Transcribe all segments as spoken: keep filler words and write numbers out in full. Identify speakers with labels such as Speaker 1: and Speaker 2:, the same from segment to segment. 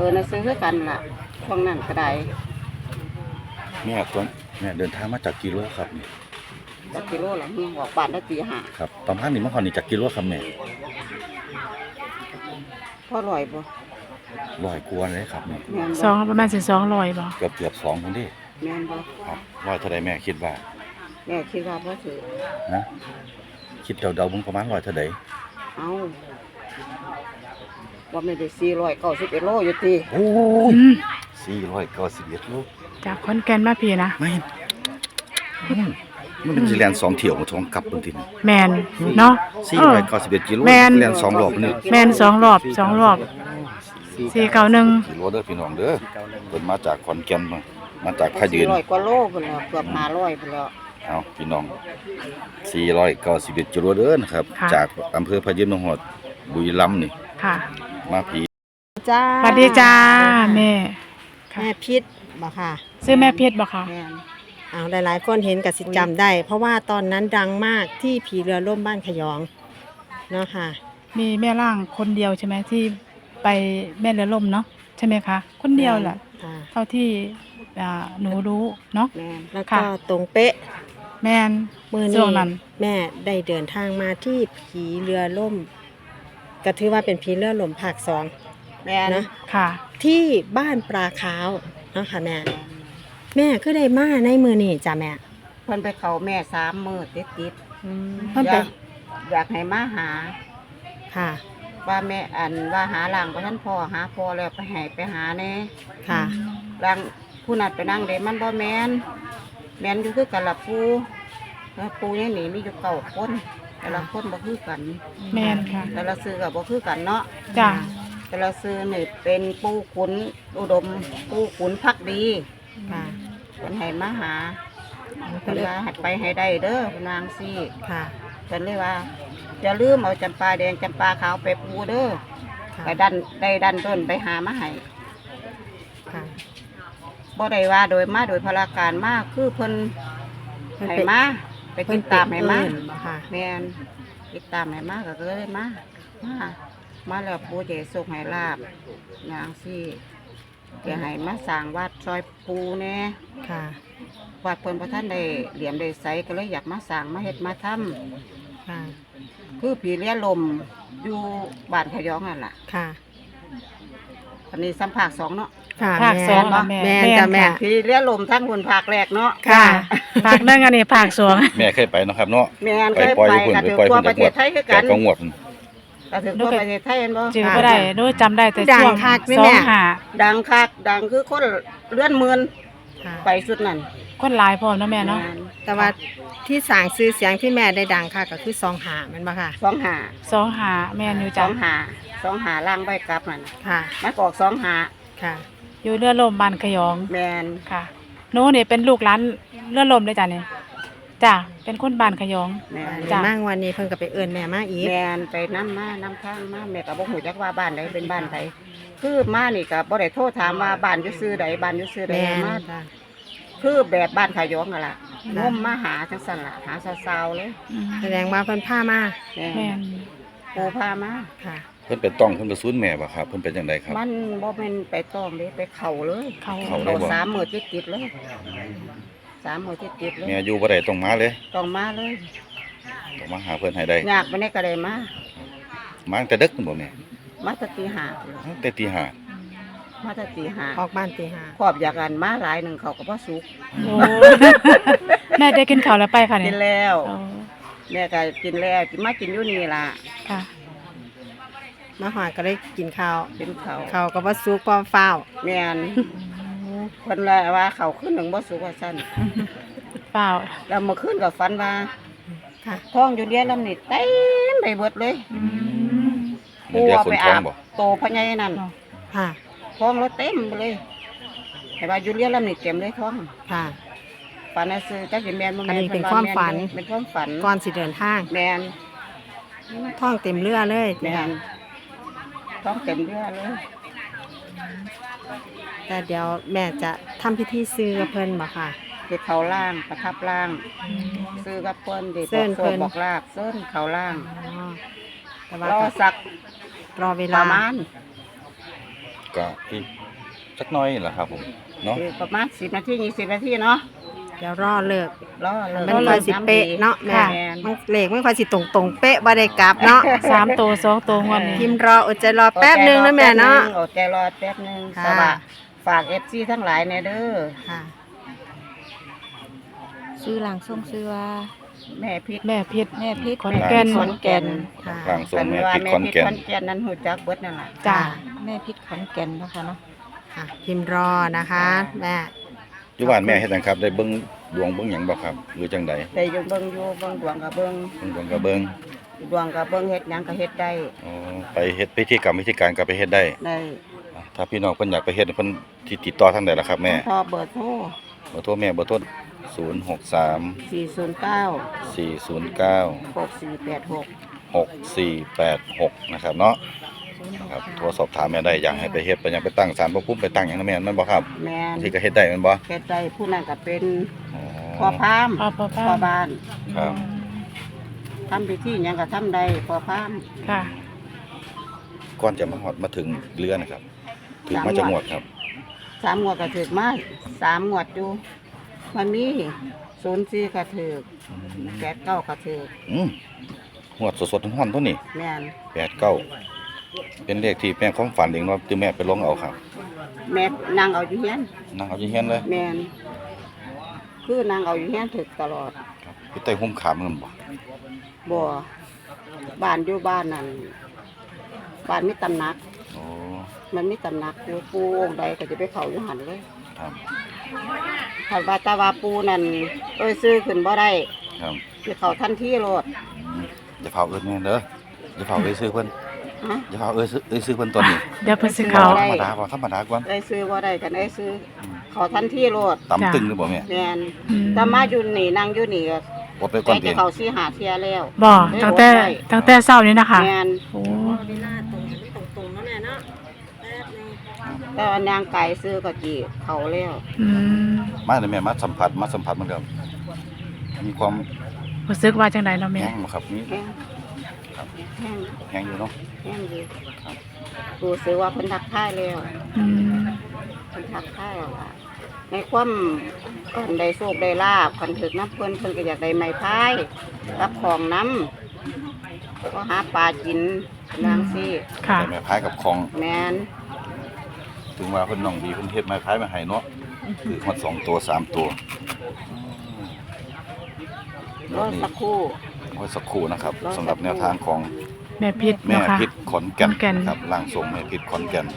Speaker 1: อน่ะซื้อคือกันล่ะช่วงนั้นก็ได้
Speaker 2: แม่ตัวแม่เดินทางมาจากกิโลครับนี่
Speaker 1: จักกิโลละออกบ้านได้ตีห้า
Speaker 2: ครับประมาณนี้เมื่อก่อนนี่จากกิโลครับแม่
Speaker 1: พอร่อยบ่
Speaker 2: ร้อยกว่าเลยครับแม่
Speaker 3: สองประมาณสิสองร้อยบ่
Speaker 2: เกือบเกือบสองคนดิ
Speaker 1: แม่นบ่
Speaker 2: ครับร้อยเท่าใดแม่คิดว่า
Speaker 1: แม่คิดว่าบ่ถือ
Speaker 2: นะคิดเดาๆมึงประมาณร้อยเท่าใด
Speaker 1: เอ้าว่าไม่ได้สี่ร้อยเก้าสิบเอ็ดโลอยู่ติ
Speaker 2: โอ้ยสี่ร้อยเก้าสิบเอ็ดโล
Speaker 3: จากขอนแก่นมาพี่นะ
Speaker 2: ไม่มันสิแล่นสองเที่ยวมาท้องกลับพุ่นติ
Speaker 3: แม่นเนาะ
Speaker 2: สี่ร้อยเก้าสิบเอ็ดกิโลแล่นสองรอบนี่
Speaker 3: แม่นสองรอบสองรอบสี่เก้าหนึ่ง
Speaker 2: กิโลเด้อพี่น้องเด้อเพิ่นมาจากขอนแก่นมามาจากพะยืน
Speaker 1: สี่ร้อยกว่าโลพุ่นแล้วเกือบห้าร้อยพุ่นแล้ว
Speaker 2: เอาพี่น้องสี่ร้อยเก้าสิบเอ็ดกิโลเด้อนะครับจากอำเภอพะยืนจังหวัดบุรีรัมย์นี่
Speaker 3: ค่ะ
Speaker 2: มาผี
Speaker 1: จ้า
Speaker 3: สวัสดีจ้าแม่
Speaker 4: แม่พิษบ่ค่ะ
Speaker 3: ซื้อแม่เพชรบ่ค่ะ
Speaker 4: อ้าวหลายๆคนเห็นกับสิจำได้เพราะว่าตอนนั้นดังมากที่ผีเรือล่มบ้านขยองเนาะค่ะ
Speaker 3: มีแม่ร่างคนเดียวใช่ไหมที่ไปแม่เรือล่มเนาะใช่ไหมคะคนเดียวแหละเท่าที่หนูรู้เนาะ
Speaker 4: แล้วก็ตรงเป๊ะ
Speaker 3: แม่น
Speaker 4: มือนี้แม่ได้เดินทางมาที่ผีเรือล่มก็ถือว่าเป็นผีเรือล่มภาคสอง
Speaker 1: แม่
Speaker 4: นะ
Speaker 3: ค่ะ
Speaker 4: ที่บ้านปลาขาวเนาะค่ะแม่แม่ก็ได้มาในมือนี่จ้ะแม่
Speaker 1: เพิ่นไปเขาแม่สามมื้อติด
Speaker 4: ๆเพิ่นไป
Speaker 1: อยากให้มาหา
Speaker 4: ค่ะ
Speaker 1: ว่าแม่อันว่าหาหลังบ่ทันพอหาพอแล้วไปให้ไปหาแน่
Speaker 4: ค่ะ
Speaker 1: หลังผู้นัดไปนั่งเด้มันบ่แม่นแม่นอยู่คือกันล่ะปู่แล้วปู่นี่นี่มีอยู่เก้าคนแต่ละคนบ่คือกัน
Speaker 3: แม่นค่ะ
Speaker 1: แต่ละชื่อก็บ่คือกันเนาะ
Speaker 3: จ้ะ
Speaker 1: แต่ละชื่อนี่เป็นปู่ขุนอุดมปู่ขุนภักดี
Speaker 4: ค่ะ
Speaker 1: เพิ่นให้มาหาเพิ่นว่าให้ไปให้ได้เด้อนางซี่
Speaker 4: ค่ะ
Speaker 1: เพิ่นเลยว่าอย่าลืมเอาจำปาแดงจำปาขาวไปปูเด้อไปดันได้ดันต้นไปหามาให้
Speaker 4: ค่ะ
Speaker 1: บ่ได้ว่าโดยมาโดยพลาการมาคือเพิ่นให้มาไปติดตามให้มาแม่นติดตามให้มาก็เลยมามามาแล้วปู่จะส่งให้ลาบนางซี่จะให้มาสร้างวัดซอยปูแน่
Speaker 4: ค่ะ
Speaker 1: วัดเพิ่นพระท่านได้เหลี่ยมได้ใสก็เลยอยากมาสร้างมาเฮ็ดมาทำ
Speaker 4: ค่ะ
Speaker 1: คือผีเลี้ยลมอยู่บ้านขยองนั่นล่ะ
Speaker 4: ค่ะ
Speaker 1: อันนี้สัมภาคสองเนาะ
Speaker 3: ภาคสอง
Speaker 4: แม่แม่จ้ะแม่
Speaker 1: ผีเลี้ยลมทั้งคนภาคแรกเนาะ
Speaker 3: ค่ะภาคหนึ่งอันนี้ภาคสอง
Speaker 2: แม่เคยไปเนาะครับเนาะ
Speaker 1: แม่เคยไปกันถึงทั่วประเทศไทยคือกัน
Speaker 2: ก็งวด
Speaker 1: ก็ถึงทั่วประเทศไทยเห็นบ่
Speaker 3: จื้อบ่ได้โดยจำได้แต่ช่วงสองหา
Speaker 1: ดังคักดังคือคนเลื่อนหมื่นไปสุดนั่น
Speaker 3: คนหลายพร้อมนะแม่เนาะ
Speaker 4: แต่ว่าที่สร้างชื่อเสียงที่แม่ได้ดังค่ะก็คือสองหาแม่นบ่ค่ะ
Speaker 1: สองหา
Speaker 3: สองหาแม่นอยู่
Speaker 1: จ้ะส
Speaker 3: อ
Speaker 1: งหาสองหาล่างใบกลับนั่น
Speaker 4: ค่ะ
Speaker 1: มากอกสองหา
Speaker 4: ค่ะ
Speaker 3: อยู่เรือล่มบ้านขยอง
Speaker 1: แม่น
Speaker 3: ค่ะโน้นี่เป็นลูกหลานเรือล่มเลยจ้ะนี่จ้ะเป็นคนบ้านขยอง
Speaker 4: แม่จ้ะมาวันนี้เพิ่นก็ไปเอิ้นแม่มาอีก
Speaker 1: แม่นไปนำมานำทางมาแม่ก็บ่ฮู้จักว่าบ้านใดเป็นบ้านใดคือมานี่ก็บ่ได้โทรถามว่าบ้านอยู่ซื่อใดบ้านอยู่ซื่อใดมาคือแบบบ้านขยองนั่นล่ะงมมาหาจังซั่นล่ะหาสาวๆเลย
Speaker 4: แสดงว่าเพิ่นพามา
Speaker 3: แม่น
Speaker 1: ปู่พามา
Speaker 4: ค่ะ
Speaker 2: เพิ่นเป็นต้องเพิ่นไปซูนแม่บ่ครับเพิ่นเป็นจังได๋ครับ
Speaker 1: มันบ่แม่นไปต้องเด้ไปเข้าเลย
Speaker 3: เข้า
Speaker 2: เข้า
Speaker 1: สามมื้อติดๆเลยสามมื้อติดๆเลย
Speaker 2: แม่อยู่บ่ได้ต้องมาเลย
Speaker 1: ต้องมาเลย
Speaker 2: ต้องมาหาเพิ่นให้ได้
Speaker 1: ยากบ่ได้ก็ได้มา
Speaker 2: มาตั้งแต่ดึกบ่แม่
Speaker 1: มาตั้งตีห้า
Speaker 2: ตั้งแต่ตีห้า
Speaker 1: มาตั้งตีห้า
Speaker 4: ออกบ้านตีห้า
Speaker 1: ขอบอยากกันมาหลายหนึ่งเขาก็บ่สุก
Speaker 3: โอ้แม่ได้กินข้าวแล้วไปค่ะเนี่ย
Speaker 1: กินแล้วแม่ก็กินแล้วกินมากินอยู่นี่ล่ะ
Speaker 3: ค่ะ
Speaker 4: มาหอดก็ได้กินข้าว
Speaker 1: กินข้าว
Speaker 4: ข้าวก็บ่สุกพอฟ้าว
Speaker 1: แม่นเพิ่นเลยว่าข้าวขึ้นหนึ่งบ่สุกว่าซั่น
Speaker 3: เปล่า
Speaker 1: แล้วเมื่อคืนก็ฝันว่า
Speaker 4: ค่ะ
Speaker 1: ท้องอยู่เดียวลำนี่เต็มไปหมดเลยปูเอาไปอาบโตพญานั่น
Speaker 4: ค่ะ
Speaker 1: ท้องแล้วเต็มไปเลยแต่ว่าอยู่เดียวลำนี่เต็มเลยท้อง
Speaker 4: ค่ะ
Speaker 1: ฝันน่ะซื้อจักสิแม่นบ่แม่น
Speaker 4: เป็นความฝัน
Speaker 1: เป็นความฝัน
Speaker 4: ก่อนสิเดินทาง
Speaker 1: แม่น
Speaker 4: ท้องเต็มเรือเลย
Speaker 1: แม่นท้องเต็มเรือเลย
Speaker 4: แต่เดี๋ยวแม่จะทำพิธีซื้อกับเพิ่นบ่ค่ะ
Speaker 1: เด็กเขาล่างประทับล่างซื้อกับเพิ่นเด็กบอกโซ่บอกลาบเส้นเขาล่าง
Speaker 4: แต่ว่ารอ
Speaker 1: สัก
Speaker 4: รอเวลา
Speaker 1: ประมาณ
Speaker 2: ก็อีกสักหน้อยแหละครับผมเนาะ
Speaker 1: คือประมาณสิบนาทียี่สิบนาทีเนาะ
Speaker 4: เดี๋ยวรอเลิก
Speaker 1: รอเลย
Speaker 4: มันค่อยสิเป๊ะเนาะแม่
Speaker 1: แม่น
Speaker 4: มันเลขมันค่อยสิตรงๆเป๊ะบ่ได้กลับเนาะ
Speaker 3: สามตัวสองตัวงวดนี้
Speaker 4: พิมพ์รออดใจรอแป๊บนึงนะแม่เนาะ
Speaker 1: อดใจรอแป๊บนึง
Speaker 4: ค่ะ
Speaker 1: สวัสดีฝาก เอฟ ซี ทั้งหลายแน่เด้อ
Speaker 4: ค่ะ
Speaker 5: ชื่อหลังส่งชื่อว่า
Speaker 1: แม่พิษ
Speaker 3: แม่พิษ
Speaker 5: แม่พิษ
Speaker 3: ขอนแก่น
Speaker 1: ขอนแก่น
Speaker 4: ค่ะ
Speaker 2: ร่างทรงแม่
Speaker 1: ว่า
Speaker 2: พิษ
Speaker 1: แม่
Speaker 2: ขอน
Speaker 1: พิษ
Speaker 2: แก่น
Speaker 1: ขอนแก่นนั้นหูจักเบิดนั่นล่ะ
Speaker 3: จ้า
Speaker 5: แม่พิษขอนแก่นเนาะคะเนาะ
Speaker 4: ค่ะพิมพ์รอนะคะ แม่
Speaker 2: อยู่บ้านแม่เฮ็ดหยังครับได้เบิ่งดวงเบิ่งหยังบ่ครับหรือจังใด
Speaker 1: ได้อยู่เบิ่งอยู่เบิ่งดวงก็เบิ่ง
Speaker 2: เบิ่งดวงก็เบิ่ง
Speaker 1: ดวงก็เบิ่งเฮ็ดหยังก็เฮ็ดได้
Speaker 2: อ๋อไปเฮ็ดพิธีกรรมพิธีการก็ไปเฮ็ดได้
Speaker 1: ได้
Speaker 2: ถ้าพี่น้องเพิ่นอยากไปเฮ็ดเพิ่นที่ติดต่อทางใดล่ะครับแม่
Speaker 1: พอเบอร์โทร
Speaker 2: เบอร์โทรแม่เบอร์โทรศูนย์ หก สาม
Speaker 1: สี่ศูนย์เก้า
Speaker 2: สี่ ศูนย์ เก้า
Speaker 1: หกสี่แปดหก
Speaker 2: หก สี่ แปด หกนะครับเนาะครับโทรสอบถามแม่ได้อยากให้ไปเฮ็ดไปหยังไปตั้งศาลพระภูมิไปตั้งหยังนะแม่นบ่ครับ
Speaker 1: แม่น
Speaker 2: ที่ก็เฮ็ดได้แม่นบ่
Speaker 1: เฮ็ดได้ผู้นั้นก็เป็น
Speaker 2: อ๋อ
Speaker 1: พ่อพาม
Speaker 3: พ่อพ่อพาม
Speaker 1: พ่อบ้าน
Speaker 2: ครับ
Speaker 1: ทำพิธีหยังก็ทำได้พ่อพาม
Speaker 3: ค่ะ
Speaker 2: ก่อนจะมาฮอดมาถึงเรือนะครับถึงมาจังหวัดครับ
Speaker 1: สามงวดก็ถึกมาสามงวดอยู่มันมีศูนย์สี่ก็ถึกแปดเก้าก็ถึก
Speaker 2: อืมหวดสดๆร้อนๆตัวนี้
Speaker 1: แม่น
Speaker 2: แปด เก้าเป็นเลขที่แม่ความฝันเองเนาะที่แม่ไปลงเอาครับ
Speaker 1: แม่นางเอาอยู่เฮียน
Speaker 2: นั่งเอาที่เฮียนเลย
Speaker 1: แม่นคือนางเอาอยู่เฮียนถึกตลอด
Speaker 2: ครับพี่ใต้หุ้มขามมันบ่
Speaker 1: บ่บ้านอยู่บ้านนั่นบ้านมีตำหนัก
Speaker 2: โอ้
Speaker 1: มันมีตำหนักอยู่ปูองค์ใดก็จะไปเข้าอยู่หันเลย
Speaker 2: ครับ
Speaker 1: ถ้าว่าแตาว่าปูนั่นเอ้ยซื้อขึ้นบ่ได้
Speaker 2: ครับ
Speaker 1: สิเข้าทันทีโลด
Speaker 2: อืมอย่าเผาเอิ้นแม่เด้ออย่าเผาเอ้ยซื้อเพิ่น
Speaker 1: ฮะ
Speaker 2: อย่าเผาเอ้ยซื้อเอ้ยซื้อเพิ่นตอนนี้
Speaker 3: เดี๋ยวเพิ่นสิเขา
Speaker 1: ได้
Speaker 2: ธรรมดาบ่ธรรมดาก่อน
Speaker 1: เอ้ยซื้อบ่ได้กันเอ้ยซื้อเข้าทันทีโลด
Speaker 2: ตำตึงหรือบ่แม่
Speaker 1: แม่น
Speaker 3: อืม
Speaker 1: แต่มาอยู่นี่นั่งอยู่นี่ก็
Speaker 2: อดไป
Speaker 1: ใก
Speaker 2: ก่อ
Speaker 1: ล้
Speaker 2: น
Speaker 1: จะ
Speaker 2: เพียง
Speaker 1: เข้าสิหาเที่ยแล้ว
Speaker 3: บ่ตั้งแต่ตั้งแต่เช้านี้นะคะ
Speaker 1: แม่น
Speaker 3: โอ้
Speaker 4: เวลาตรงตรงๆนะแม่เนาะแป๊บนึง
Speaker 1: แต่ว่านางไก่ซื้อก็จีเข้าแล้ว
Speaker 3: อืม
Speaker 2: มาเลยแม่มาสัมผัสมาสัมผัสมันก็มีความ
Speaker 3: รู้สึกว่าจังไดเนาะแม่
Speaker 2: แห้งบ่ครับมี
Speaker 1: แห้ง
Speaker 2: ครับ
Speaker 1: แห้ง
Speaker 2: แห้งอยู่เนาะ
Speaker 1: แห้งดี
Speaker 2: ครับ
Speaker 1: รู้สึกว่าเพิ่นทักทายแล้ว
Speaker 3: อืม
Speaker 1: เพิ่นทักทายแล้วล่ะในความเพิ่นได้โชคได้ลาบคันถึกน้ำเพิ่นเพิ่นก็อยากได้ไม้พายรับของน้ำก็หาปลากินนางซี่
Speaker 3: ค่ะ
Speaker 2: แต่แม่พายกับของ
Speaker 1: แม่น
Speaker 2: ถึงว่าเพิ่นน้องดีเพิ่นเฮ็ดไม้พายมาให้เนาะคือฮอดสองตัวสามตัว
Speaker 1: รอสักครู่
Speaker 2: ไว้สักครู่นะครับสำหรับแนวทางของ
Speaker 3: แม่พิษ
Speaker 2: แม่
Speaker 3: เนาะค่ะ
Speaker 2: พิษขอนแก่น
Speaker 3: ขอนแก่น
Speaker 2: ครับร่างทรงแม่พิษขอนแก่น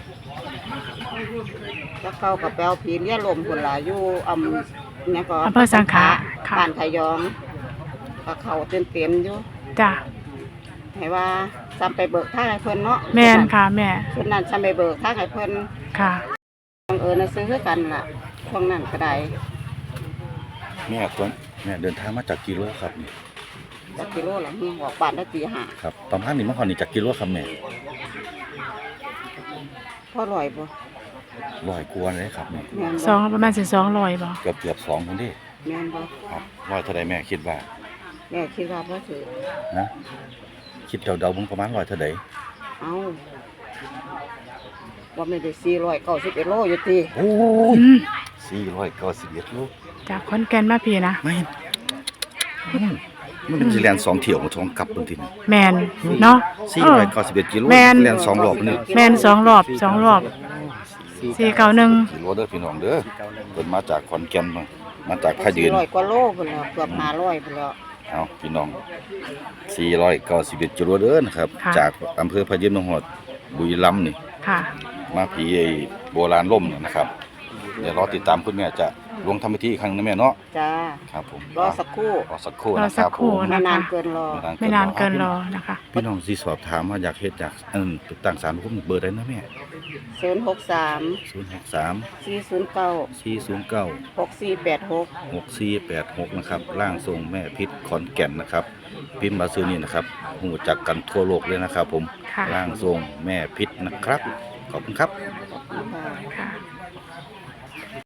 Speaker 1: แล้วเขากับแปลวผีเลี้ยลมพุ่นล่ะอยู่อำเนี่ยก็
Speaker 3: อำเภอสังขะค่ะ
Speaker 1: บ้านขยองก็เขาเต็มเต็มๆอยู่
Speaker 3: จ้ะ
Speaker 1: ให้ว่าซ้ำไปเบิกทางให้เพิ่นเนาะ
Speaker 3: แม่นค่ะแม่
Speaker 1: ส่วนนั้นซ้ำไปเบิกทางให้เพิ่น
Speaker 3: ค่ะ
Speaker 1: บังเอิญน่ะซื้อคือกันล่ะช่วงนั้นก็ได้
Speaker 2: แม่ตัวแม่เดินทางมาจากกิโลครับนี่
Speaker 1: จักกิโลละนี่ออกบ้านได้ตีห้า
Speaker 2: ครับประมาณนี้มาฮอดนี่จากกิโลครับแม่
Speaker 1: พอร่อยบ่
Speaker 2: ร้อยกว่าเลยครับแม่
Speaker 1: แม่น
Speaker 3: ส
Speaker 1: บ่
Speaker 3: องประมาณสิสองร้อยบ่
Speaker 2: เกือบเกือบสองคนที่
Speaker 1: แม่นบ่
Speaker 2: ครับร้อยเท่าใดแม่คิดว่า
Speaker 1: แม่คิดว่าบ่ถือ
Speaker 2: นะคิดเดาๆมึงประมาณร้อยเท่าใด
Speaker 1: เอาว่าไม่ได้สี่ร้อยเก้าสิบเอ็ดโลอยู่ติ
Speaker 2: โอ้
Speaker 3: อืม
Speaker 2: สี่ร้อยเก้าสิบเอ็ดโล
Speaker 3: จากขอนแก่นมาพี่นะ
Speaker 2: ไม่อืมมันเป็นสิแลนสองเที่ยวมาท้องกลับเพิ่นทีนี่
Speaker 3: แม่นเนาะ
Speaker 2: สี่
Speaker 3: เอ
Speaker 2: ร้
Speaker 3: อ
Speaker 2: อยเก้าสิบเอ็ดกิโล
Speaker 3: แม่น
Speaker 2: แลนสองรอบนี่
Speaker 3: แม่นสองรอบสองรอบสี่เก้าหนึ่ง
Speaker 2: กิโลเด้อพี่น้องเด้อเพิ่นมาจากขอนแก่นมามาจากพะยื
Speaker 1: สี่
Speaker 2: น
Speaker 1: ร้อยกว่าโลพุ่นแล้วเกือบห้าร้อยพุ่นแล้ว
Speaker 2: เอาพี่น้องสี่ร้อยเก้าสิบเอ็ดกิโลเด้อนะครับ จากอำเภอพะยืนจังหวัดบุรีรัมย์นี่
Speaker 3: ค่ะ
Speaker 2: มาผีไอ้โบราณล่มเนี่ยนะครับ เดี๋ยวรอติดตามคุณแม่จะลงทำพิธีอีกครั้งนะแม่เนาะ
Speaker 1: จ้า
Speaker 2: ครับผม
Speaker 1: รอสักครู่
Speaker 2: รอสักครู่
Speaker 3: รอ
Speaker 2: นะค
Speaker 3: สั
Speaker 2: รั
Speaker 3: ก
Speaker 2: บ
Speaker 3: ครู่
Speaker 2: ผม
Speaker 1: ไม่
Speaker 3: นะ
Speaker 1: นา
Speaker 3: คะ
Speaker 1: นเกินรอ
Speaker 3: ไม่นานเกินรอนะคะ
Speaker 2: พี่น้องที่สอบถามว่าอยากเฮ็ดอยากอันตั้งศาลพระภูมิเบอร์ได้นะแม่
Speaker 1: ศูนย์หกสาม
Speaker 2: ศูนย์หกสาม
Speaker 1: สี่ศูนย์เก้า
Speaker 2: สี่ศูนย์เก้า
Speaker 1: หกสี่แปดหก
Speaker 2: หกสี่แปดหกนะครับร่างทรงแม่พิษขอนแก่นนะครับพิมพ์มาซื้อนี่นะครับหูจักกันทั่วโลกเลยนะครับ ผม
Speaker 3: ค่ะ
Speaker 2: ร่างทรงแม่พิษนะครับขอบคุณครับ
Speaker 1: ค่ะ
Speaker 3: ค่ะ